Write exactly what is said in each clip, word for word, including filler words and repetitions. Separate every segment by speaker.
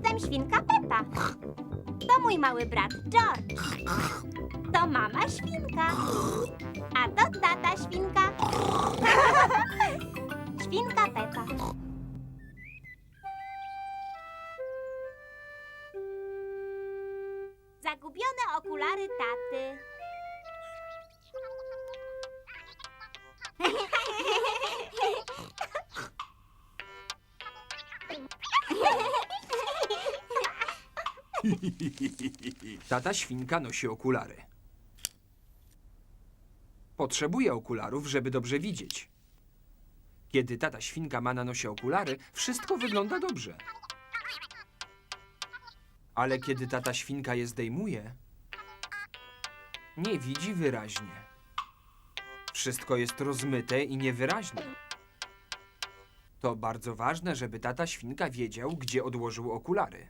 Speaker 1: jestem świnka Pepa. To mój mały brat George. To mama świnka. A to tata świnka. Świnka Pepa. Zagubione okulary taty.
Speaker 2: Tata świnka nosi okulary. Potrzebuje okularów, żeby dobrze widzieć. Kiedy tata świnka ma na nosie okulary, wszystko wygląda dobrze. Ale kiedy tata świnka je zdejmuje, nie widzi wyraźnie. Wszystko jest rozmyte i niewyraźne. To bardzo ważne, żeby tata świnka wiedział, gdzie odłożył okulary.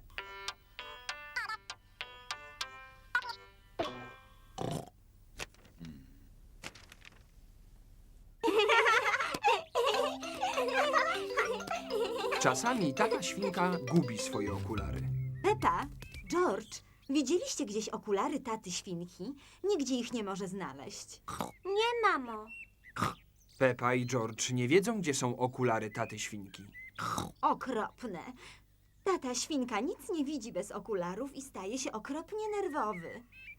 Speaker 2: Czasami tata świnka gubi swoje okulary.
Speaker 3: Pepa, George, widzieliście gdzieś okulary taty świnki? Nigdzie ich nie może znaleźć.
Speaker 1: Nie, mamo.
Speaker 2: Pepa i George nie wiedzą, gdzie są okulary taty świnki.
Speaker 3: Okropne. Tata świnka nic nie widzi bez okularów i staje się okropnie nerwowy.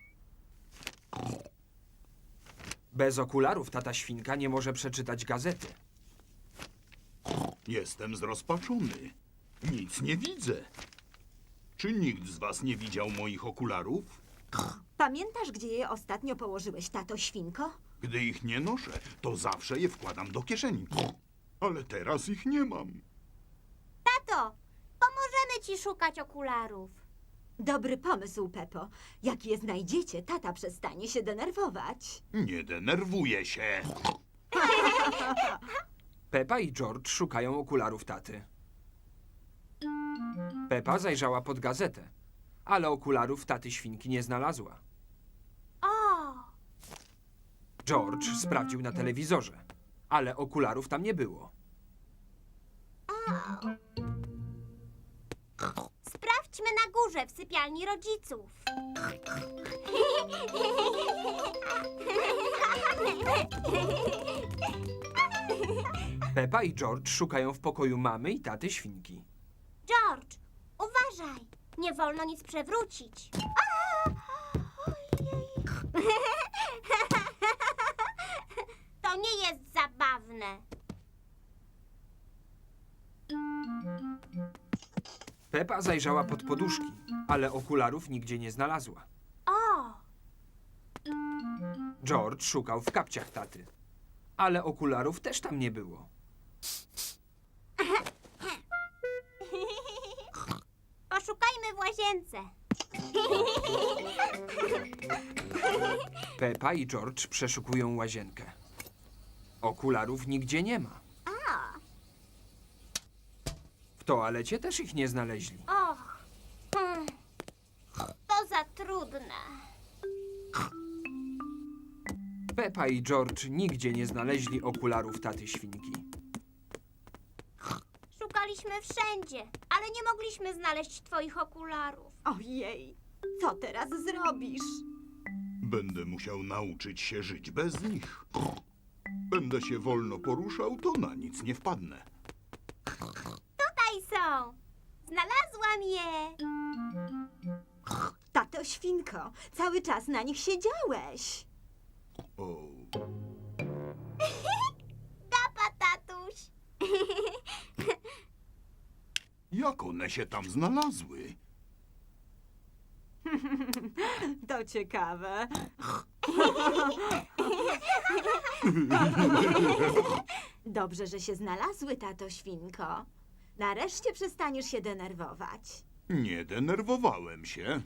Speaker 2: Bez okularów tata świnka nie może przeczytać gazety.
Speaker 4: Jestem zrozpaczony. Nic nie widzę. Czy nikt z was nie widział moich okularów?
Speaker 3: Pamiętasz, gdzie je ostatnio położyłeś, tato świnko?
Speaker 4: Gdy ich nie noszę, to zawsze je wkładam do kieszeni. Ale teraz ich nie mam.
Speaker 1: Tato, pomożemy ci szukać okularów.
Speaker 3: Dobry pomysł, Pepo. Jak je znajdziecie, tata przestanie się denerwować.
Speaker 4: Nie denerwuję się.
Speaker 2: Pepa i George szukają okularów taty. Pepa zajrzała pod gazetę, ale okularów taty świnki nie znalazła.
Speaker 1: O,
Speaker 2: George sprawdził na telewizorze, ale okularów tam nie było.
Speaker 1: sprawdźmy na górze w sypialni rodziców.
Speaker 2: Pepa i George szukają w pokoju mamy i taty świnki.
Speaker 1: George, uważaj. Nie wolno nic przewrócić. A! Ojej. To nie jest zabawne.
Speaker 2: Pepa zajrzała pod poduszki, ale okularów nigdzie nie znalazła.
Speaker 1: O,
Speaker 2: George szukał w kapciach taty, ale okularów też tam nie było.
Speaker 1: poszukajmy w łazience.
Speaker 2: Pepa i George przeszukują łazienkę. Okularów nigdzie nie ma. W toalecie też ich nie znaleźli.
Speaker 1: Och, hmm. To za trudne.
Speaker 2: Pepa i George nigdzie nie znaleźli okularów taty świnki.
Speaker 1: Szukaliśmy wszędzie, ale nie mogliśmy znaleźć twoich okularów.
Speaker 3: Ojej, co teraz zrobisz?
Speaker 4: Będę musiał nauczyć się żyć bez nich. Będę się wolno poruszał, to na nic nie wpadnę.
Speaker 1: Tutaj są. Znalazłam je.
Speaker 3: Tato świnko, cały czas na nich siedziałeś.
Speaker 4: O,
Speaker 1: Gapa, tatuś.
Speaker 4: jak one się tam znalazły?
Speaker 3: To ciekawe. Dobrze, że się znalazły, tato świnko. Nareszcie przestaniesz się denerwować.
Speaker 4: Nie denerwowałem się.